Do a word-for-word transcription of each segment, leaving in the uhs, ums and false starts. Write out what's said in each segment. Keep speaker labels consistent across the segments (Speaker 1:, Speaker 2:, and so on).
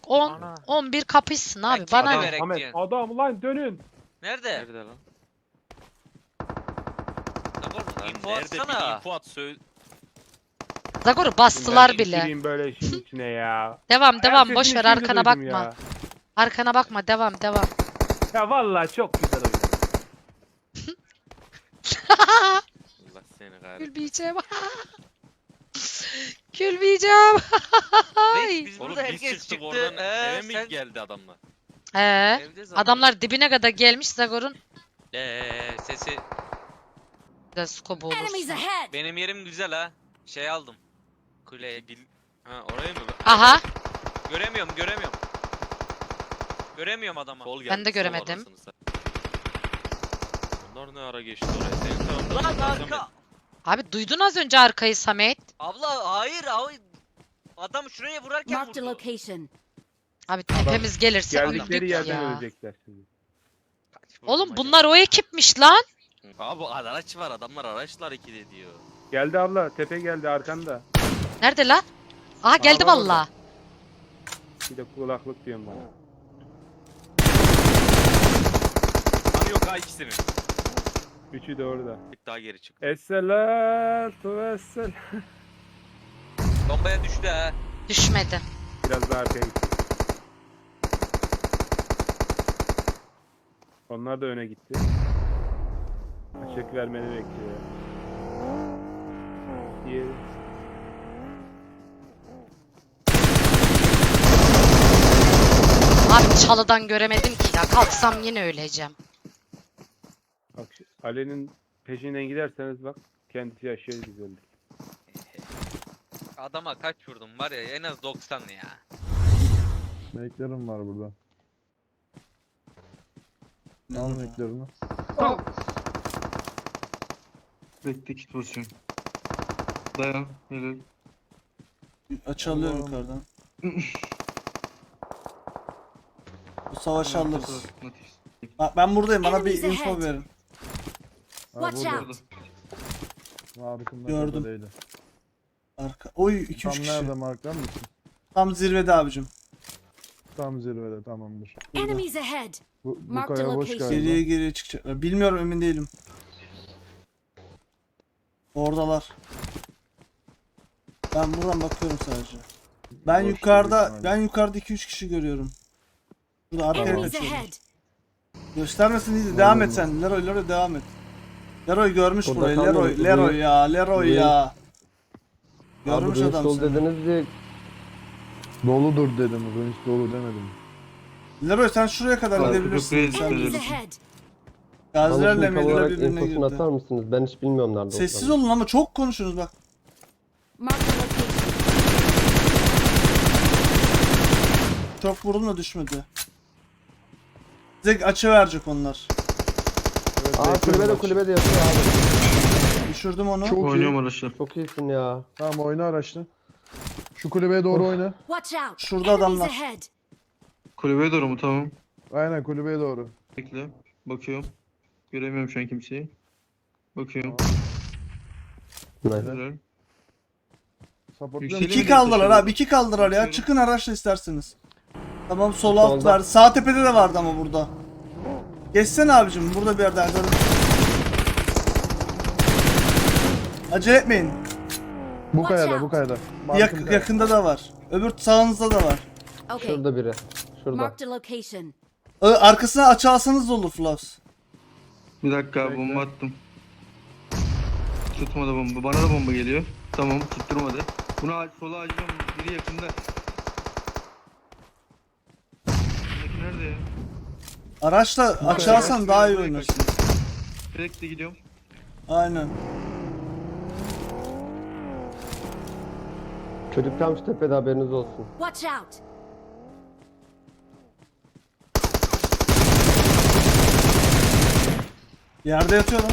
Speaker 1: on
Speaker 2: Ana.
Speaker 1: on bir kapışsın abi.
Speaker 2: Ben
Speaker 1: Bana
Speaker 2: kime
Speaker 1: ne?
Speaker 2: verek
Speaker 3: Ahmet
Speaker 2: diyorsun?
Speaker 3: adam lan dönün.
Speaker 2: Nerede?
Speaker 4: Nerede lan?
Speaker 2: Zagor
Speaker 4: Lan
Speaker 2: info
Speaker 4: nerede bir
Speaker 2: atsana.
Speaker 4: info at söyle.
Speaker 1: Zagor'u bastılar
Speaker 3: Ben
Speaker 1: bile.
Speaker 3: gireyim böyle işin içine ya.
Speaker 1: Devam
Speaker 3: Ayak
Speaker 1: devam
Speaker 3: sesini
Speaker 1: boş ver
Speaker 3: şimdi
Speaker 1: arkana
Speaker 3: duydum
Speaker 1: bakma.
Speaker 3: Ya.
Speaker 1: Arkana bakma devam devam.
Speaker 3: Ya vallahi çok güzel oyun.
Speaker 4: Allah seni kahretsin.
Speaker 1: Gülmeyeceğim. Gülmeyeceğim.
Speaker 2: Reis biz
Speaker 4: Oğlum
Speaker 2: burada
Speaker 4: biz
Speaker 2: herkes
Speaker 4: çıktık
Speaker 2: çıktı.
Speaker 4: oradan
Speaker 2: Ee,
Speaker 4: eve mi
Speaker 2: sen
Speaker 4: geldi adamlar?
Speaker 1: Ee,
Speaker 2: evde zaten.
Speaker 1: adamlar dibine kadar gelmiş Zagor'un.
Speaker 2: Ee, sesi.
Speaker 1: Da scope
Speaker 5: Enemies
Speaker 1: olursun.
Speaker 5: ahead!
Speaker 2: Benim yerim güzel ha. Şey aldım. Kuleye.
Speaker 4: Bil... Ha oraya mı?
Speaker 1: Aha.
Speaker 2: Göremiyorum göremiyorum. Göremiyorum adamı.
Speaker 4: Sol
Speaker 1: Ben
Speaker 4: geldi,
Speaker 1: de
Speaker 4: sol
Speaker 1: göremedim.
Speaker 4: anasını satayım. Onlar ne ara geçti oraya? Senin taraftan.
Speaker 2: Lan
Speaker 4: baksana.
Speaker 2: arka.
Speaker 1: Abi duydun az önce arkayı Samet.
Speaker 2: Abla hayır hayır. Adam şuraya vurarken
Speaker 5: Marked a
Speaker 2: vurdu.
Speaker 5: location.
Speaker 1: Abi tepemiz gelirse
Speaker 3: Geldikleri
Speaker 1: öldük
Speaker 3: yerden
Speaker 1: ya.
Speaker 3: ölecekler şimdi.
Speaker 4: Kaç vurdum
Speaker 1: Oğlum
Speaker 4: acaba?
Speaker 1: bunlar o ekipmiş lan.
Speaker 4: Abi araç var, adamlar araçla hareket ediyor.
Speaker 3: Geldi abla tepe geldi arkanda.
Speaker 1: Nerede lan? Aha geldi
Speaker 3: Araba
Speaker 1: valla.
Speaker 3: Bir de kulaklık diyorum bana.
Speaker 4: Hani yok ha ikisinin.
Speaker 3: Üçü de orada.
Speaker 4: Bir daha geri çık.
Speaker 3: Esselatu vessel.
Speaker 2: Bombaya düştü ha.
Speaker 1: Düşmedi.
Speaker 3: Biraz daha arkaya gitti. Onlar da öne gitti. Açık vermeni bekliyor. Diğeri.
Speaker 1: Abi çalıdan göremedim ki ya. Kalksam yine öleceğim.
Speaker 3: Bak şu Ali'nin peşinden giderseniz bak kendisi yaşıyor güzeldi.
Speaker 2: Adama kaç vurdum var ya en az doksan ya.
Speaker 6: Meklerim var burada. Al meklerini.
Speaker 7: Bekle kit basıyorum. Dayan. Helal.
Speaker 8: Açılıyorum yukarıdan. Bu savaşı alırız. Bak ben buradayım, bana bir
Speaker 5: Enemies
Speaker 8: info
Speaker 5: ahead.
Speaker 8: verin.
Speaker 6: Ha,
Speaker 5: Watch
Speaker 6: burada.
Speaker 5: out!
Speaker 6: Markımda
Speaker 8: Gördüm.
Speaker 6: değil.
Speaker 8: Arka. Oy iki
Speaker 6: Tam
Speaker 8: üç kişi.
Speaker 6: nerede marklar mısın?
Speaker 8: Tam zirvede abicim.
Speaker 6: Tam zirvede, tamamdır.
Speaker 5: Enemies ahead!
Speaker 6: Bu, bu
Speaker 5: Marked
Speaker 6: kaya boş
Speaker 5: location.
Speaker 6: galiba.
Speaker 8: Geriye geriye çıkacaklar. Bilmiyorum, emin değilim. Oradalar. Ben buradan bakıyorum sadece. Ben
Speaker 6: Boş
Speaker 8: yukarıda
Speaker 6: büyük ihtimalle.
Speaker 8: ben yukarıda iki üç kişi görüyorum. Burada arkaya
Speaker 5: Enemies
Speaker 8: kaçıyorum.
Speaker 5: ahead!
Speaker 8: Göstermesin iyiydi. Devam et sen. Leroy, Leroy devam et. Leroy görmüş
Speaker 9: Burada
Speaker 8: burayı.
Speaker 9: kalmadı.
Speaker 8: Leroy,
Speaker 9: Bu-
Speaker 8: Leroy ya, Leroy
Speaker 9: bu-
Speaker 8: ya.
Speaker 9: Abi
Speaker 8: Görmüş
Speaker 9: Ruins
Speaker 8: adam
Speaker 9: dolu
Speaker 8: seni.
Speaker 9: dediniz diye
Speaker 6: Doludur dedim, Ruins dolu demedim.
Speaker 8: Leroy sen şuraya kadar
Speaker 7: Arka
Speaker 8: gidebilirsin.
Speaker 7: kapıya
Speaker 8: Sen
Speaker 5: Enemies
Speaker 7: Gidelim.
Speaker 5: ahead!
Speaker 9: bana
Speaker 8: Gazilerle
Speaker 9: şimdi tam
Speaker 8: Medine
Speaker 9: olarak
Speaker 8: birbirine
Speaker 9: infosunu atar
Speaker 8: girdi.
Speaker 9: mısınız? Ben hiç bilmiyorum nerede
Speaker 8: Sessiz
Speaker 9: olduğunu.
Speaker 8: olun ama çok konuşuyorsunuz bak.
Speaker 5: Marked a location.
Speaker 8: Çok vurdum da düşmedi. Size açı verecek onlar.
Speaker 6: Evet,
Speaker 9: Aa
Speaker 6: bekliyorum
Speaker 9: kulübede
Speaker 6: maçı.
Speaker 9: kulübede yatıyor abi.
Speaker 8: Düşürdüm onu.
Speaker 6: Çok iyi.
Speaker 7: Oynuyorum araçlar.
Speaker 9: Çok iyisin ya.
Speaker 6: Tamam oyna araçla. Şu kulübeye doğru oyna.
Speaker 5: Watch out!
Speaker 8: Şurada
Speaker 5: Enemies
Speaker 8: adamlar.
Speaker 5: ahead!
Speaker 7: Kulübeye doğru mu? Tamam.
Speaker 6: Aynen kulübeye doğru.
Speaker 7: Bekle. Bakıyorum. Göremiyorum şu an kimseyi. Bakıyorum.
Speaker 9: Nice.
Speaker 7: Helal.
Speaker 6: Supportluyor
Speaker 7: Yükseliyor.
Speaker 6: musun?
Speaker 8: İki kaldılar abi, iki kaldılar ya. Çıkın araçla isterseniz. Tamam, sol alt
Speaker 9: Solda.
Speaker 8: var. Sağ tepede de vardı ama burada. Geçsene abicim, burada bir yerde. Acele etmeyin.
Speaker 6: Bu
Speaker 5: Watch
Speaker 6: kayada,
Speaker 5: out.
Speaker 6: bu kayada.
Speaker 8: Yak-
Speaker 6: Markım kayada.
Speaker 8: yakında da var. Öbür sağınızda da var.
Speaker 5: Okay,
Speaker 9: Şurada biri. Şurada.
Speaker 5: marked a location.
Speaker 8: Ö- Arkasına açı alsanız da olur Flaps.
Speaker 7: Bir dakika
Speaker 6: Bekle.
Speaker 7: bomba attım. Tutmadı bomba. Bana da bomba geliyor. Tamam tutturmadı. Bunu aç, sola açacağım. Biri yakında. Buradaki nerede ya?
Speaker 8: Araçla açı alsan daha iyi oynarsın.
Speaker 7: Direkt de gidiyorum.
Speaker 8: Aynen.
Speaker 9: Çocuk tam şu tepede, haberiniz olsun.
Speaker 5: Watch out!
Speaker 8: Yerde yatıyor lan.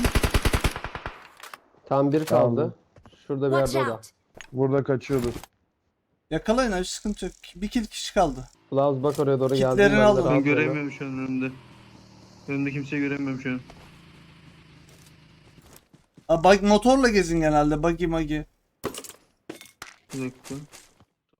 Speaker 9: Tam bir
Speaker 6: Tamam.
Speaker 9: kaldı. Şurada bir
Speaker 5: Watch
Speaker 9: yerde o da.
Speaker 5: out!
Speaker 6: Burada kaçıyordur.
Speaker 8: Yakalayın abi, sıkıntı yok. Bir kill kişi kaldı.
Speaker 9: Flavuz bak oraya doğru geldi.
Speaker 8: Kitlerini alın.
Speaker 7: Ben göremiyorum şu an önümde. Önümde kimseyi göremiyorum şu an.
Speaker 8: Aa, bak, motorla gezin genelde. Buggy magi.
Speaker 7: Bir dakika.